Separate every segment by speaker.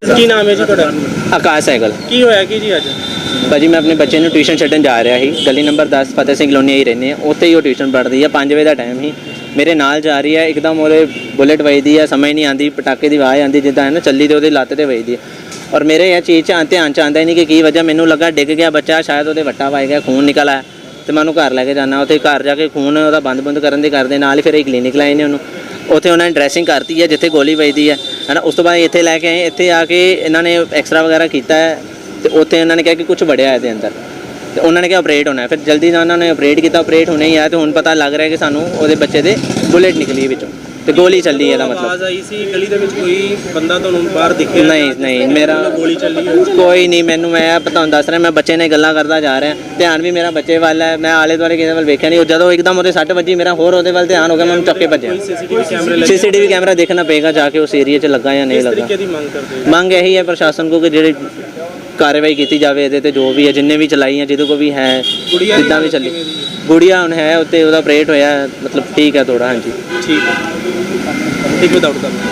Speaker 1: ਕੀ ਨਾਮ ਹੈ ਜੀ ਤੁਹਾਡਾ?
Speaker 2: ਆਕਾਸ਼ ਸਾਈਕਲ।
Speaker 1: ਕੀ ਹੋਇਆ ਕੀ ਜੀ ਅੱਜ?
Speaker 2: ਭਾਜੀ मैं अपने बच्चे ਨੂੰ ट्यूशन ਛੱਡਣ ਜਾ ਰਿਹਾ ਸੀ। गली नंबर 10 फतेह सिंह कॉलोनी ही रहने उत्थे ही वो ट्यूशन पढ़ती है। 5 बजे का टाइम ही मेरे नाल जा रही है, एकदम वो बुलेट वजदी है, समझ नहीं आती, पटाके की आवाज़ आती जिदा है ना चली तो लत्त से वजदी है। और मेरे यह चीज़ ध्यान च आंदा ही नहीं कि की वजह, मैनू लगा डिग गया बच्चा, शायद वो वट्टा वज गया, खून निकल आया। तो मैं घर लैके जाना, उत्थे घर जाके खून वो बंद बुंद करन दे करदे नाल ही फिर क्लीनिक लाए ने उन्होंने। उत्थे उन्होंने ड्रैसिंग करती है जिथे गोली वजदी है ना। उस तो बाद इत्थे लैके आए, इत्थे आके इन्होंने एक्सरा वगैरह किया है तो उत्थे उन्होंने कहा कि कुछ बढ़िया है अंदर, तो उन्होंने क्या ऑपरेट होना है। फिर जल्दी ना उन्होंने ऑपरेट किया, ऑपरेट होने ही आया तो हुण पता लग रहा है कि सानू उहदे बच्चे दे बुलेट निकली विचों ते गोली चली है। मतलब
Speaker 1: आवाज़ आई सी गली दे विच कोई बंदा तुहानू बाहर दिखे?
Speaker 2: नहीं मेरा
Speaker 1: गोली चली
Speaker 2: कोई नहीं। मैनू मैं तुहानू दस रहा, मैं बच्चे ने गल्लां करदा जा रहा, ध्यान भी मेरा बच्चे वाल है। मैं आले दुआले किसी वाल वेख्या नहीं, जदों एकदम उहदे सੱਟ ਵੱਜੀ मेरा होर उहदे वाल ध्यान हो गया, मैं चुक के भज्जिया। सीसीटीवी कैमरा देखना पेगा जाके उस एरिया च लगा या नहीं लगा। मंग यही है प्रशासन को कि जिहड़ी कार्रवाई की जाए ये जो भी है, जिन्हें भी चलाई हैं, जिदों को भी है जिदा भी चली। गुड़िया हुण है उत्ते उहदा ऑपरेट होया, मतलब ठीक है थोड़ा। हाँ जी
Speaker 1: ठीक है, एक विदाउट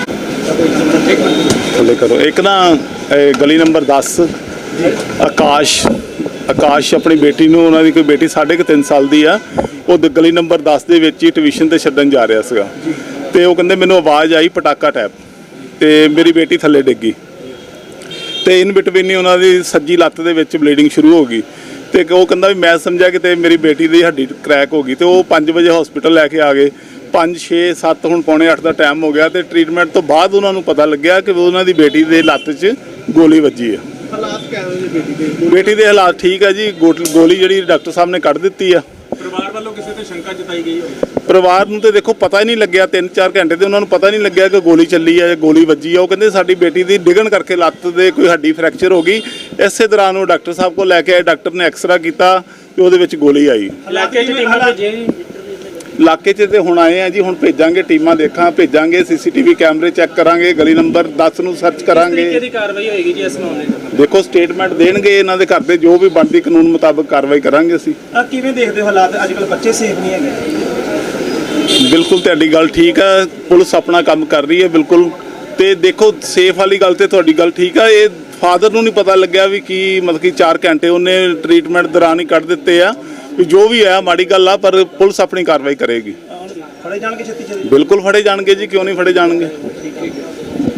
Speaker 3: थले करो। एक ना गली नंबर 10 आकाश अपनी बेटी ਨੂੰ, ਉਹਨਾਂ ਦੀ ਕੋਈ बेटी 3.5 ਸਾਲ ਦੀ ਆ, ਉਹ ਗਲੀ ਨੰਬਰ 10 ਦੇ ਵਿੱਚ ਹੀ ਟਿਊਸ਼ਨ ਤੇ ਛੱਡਣ ਜਾ ਰਿਹਾ ਸੀਗਾ ਤੇ ਉਹ ਕਹਿੰਦੇ ਮੈਨੂੰ ਆਵਾਜ਼ ਆਈ ਪਟਾਕਾ ਟੈਪ ਤੇ ਮੇਰੀ ਬੇਟੀ ਥੱਲੇ ਡਿੱਗੀ ਤੇ ਇਨ ਬਿਟਵੀਨ ਹੀ ਉਹਨਾਂ ਦੀ ਸੱਜੀ ਲੱਤ ਦੇ ਵਿੱਚ ਬਲੀਡਿੰਗ ਸ਼ੁਰੂ ਹੋ ਗਈ ਤੇ ਉਹ ਕਹਿੰਦਾ ਵੀ ਮੈਂ ਸਮਝਿਆ ਕਿ ਤੇ ਮੇਰੀ ਬੇਟੀ ਦੀ ਹੱਡੀ ਕ੍ਰੈਕ ਹੋ ਗਈ ਤੇ ਉਹ 5 ਵਜੇ ਹਸਪੀਟਲ ਲੈ ਕੇ ਆ ਗਏ। 5, 6, 7 ਹੁਣ ਪੌਣੇ 8 ਦਾ ਟਾਈਮ ਹੋ ਗਿਆ ਤੇ ਟ੍ਰੀਟਮੈਂਟ ਤੋਂ ਬਾਅਦ ਉਹਨਾਂ ਨੂੰ ਪਤਾ ਲੱਗਿਆ ਕਿ ਉਹਨਾਂ ਦੀ ਬੇਟੀ ਦੇ ਲੱਤ 'ਚ ਗੋਲੀ ਵੱਜੀ ਹੈ।
Speaker 1: ਹਾਲਾਤ ਕਿਵੇਂ ਨੇ ਬੇਟੀ ਦੇ?
Speaker 3: ਬੇਟੀ ਦੇ ਹਾਲਾਤ ਠੀਕ ਹੈ ਜੀ। ਗੋਲੀ ਜਿਹੜੀ ਡਾਕਟਰ ਸਾਹਿਬ ਨੇ ਕੱਢ ਦਿੱਤੀ ਆ।
Speaker 1: ਪਰਿਵਾਰ ਵੱਲੋਂ ਕਿਸੇ ਤੇ ਸ਼ੰਕਾ ਜਤਾਈ ਗਈ ਹੋਵੇ?
Speaker 3: ਪਰਿਵਾਰ ਨੂੰ ਤੇ ਦੇਖੋ ਪਤਾ ਹੀ ਨਹੀਂ ਲੱਗਿਆ, 3-4 ਘੰਟੇ ਤੇ ਉਹਨਾਂ ਨੂੰ ਪਤਾ ਨਹੀਂ ਲੱਗਿਆ ਕਿ ਗੋਲੀ ਚੱਲੀ ਹੈ ਜਾਂ ਗੋਲੀ ਵੱਜੀ ਆ। ਉਹ ਕਹਿੰਦੇ ਸਾਡੀ ਬੇਟੀ ਦੀ ਡਿੱਗਣ ਕਰਕੇ ਲੱਤ ਦੇ ਕੋਈ ਹੱਡੀ ਫ੍ਰੈਕਚਰ ਹੋ ਗਈ। ਇਸੇ ਦੌਰਾਨ ਉਹ ਡਾਕਟਰ ਸਾਹਿਬ ਕੋਲ ਲੈ ਕੇ ਆਏ, ਡਾਕਟਰ ਨੇ ਐਕਸਰਾ ਕੀਤਾ ਤੇ ਉਹਦੇ ਵਿੱਚ ਗੋਲੀ ਆਈ।
Speaker 1: ਇਲਾਕੇ 'ਚ ਟੀਮਾਂ ਭੇਜੀਆਂ ਜੀ?
Speaker 3: ਇਲਾਕੇ 'ਚ ਤੇ ਹੁਣ ਆਏ ਆ ਜੀ, ਹੁਣ ਭੇਜਾਂਗੇ ਟੀਮਾਂ, ਭੇਜਾਂਗੇ ਸੀਸੀਟੀਵੀ ਕੈਮਰੇ ਚੈੱਕ ਕਰਾਂਗੇ, ਗਲੀ ਨੰਬਰ 10 ਨੂੰ ਸਰਚ ਕਰਾਂਗੇ।
Speaker 1: ਕਿਸ ਤਰੀਕੇ ਦੀ ਕਾਰਵਾਈ ਹੋਏਗੀ ਜੀ ਇਸ ਮਾਮਲੇ 'ਚ?
Speaker 3: ਦੇਖੋ ਸਟੇਟਮੈਂਟ ਦੇਣਗੇ ਇਹਨਾਂ ਦੇ ਘਰ ਦੇ, ਜੋ ਵੀ ਬਣਦੀ ਕਾਨੂੰਨ ਮੁਤਾਬਕ ਕਾਰਵਾਈ ਕਰਾਂਗੇ ਅਸੀਂ।
Speaker 1: ਕਿਵੇਂ ਦੇਖਦੇ ਹੋ ਹਾਲਾਤ ਅੱਜ ਕੱਲ੍ਹ? ਬੱਚੇ ਸੇਫ ਨਹੀਂ ਹੈਗੇ?
Speaker 3: ਬਿਲਕੁਲ ਤੁਹਾਡੀ ਗੱਲ ਠੀਕ ਹੈ, ਪੁਲਿਸ ਆਪਣਾ ਕੰਮ ਕਰ ਰਹੀ ਹੈ ਬਿਲਕੁਲ। ਤੇ ਦੇਖੋ ਸੇਫ ਵਾਲੀ ਗੱਲ ਤੇ ਤੁਹਾਡੀ ਗੱਲ ਠੀਕ ਹੈ। ਇਹ ਫਾਦਰ ਨੂੰ ਨਹੀਂ ਪਤਾ ਲੱਗਿਆ ਵੀ ਕੀ ਮਤਲਬ ਕਿ 4 ਘੰਟੇ ਉਹਨੇ ਟ੍ਰੀਟਮੈਂਟ ਦੌਰਾਨ ਹੀ ਕੱਢ ਦਿੱਤੇ ਆ ਵੀ ਜੋ ਵੀ ਹੈ ਮਾੜੀ ਗੱਲ ਆ, ਪਰ ਪੁਲਿਸ ਆਪਣੀ ਕਾਰਵਾਈ ਕਰੇਗੀ।
Speaker 1: ਫੜੇ ਜਾਣਗੇ ਛੇਤੀ?
Speaker 3: ਬਿਲਕੁਲ ਫੜੇ ਜਾਣਗੇ ਜੀ, ਕਿਉਂ ਨਹੀਂ ਫੜੇ ਜਾਣਗੇ।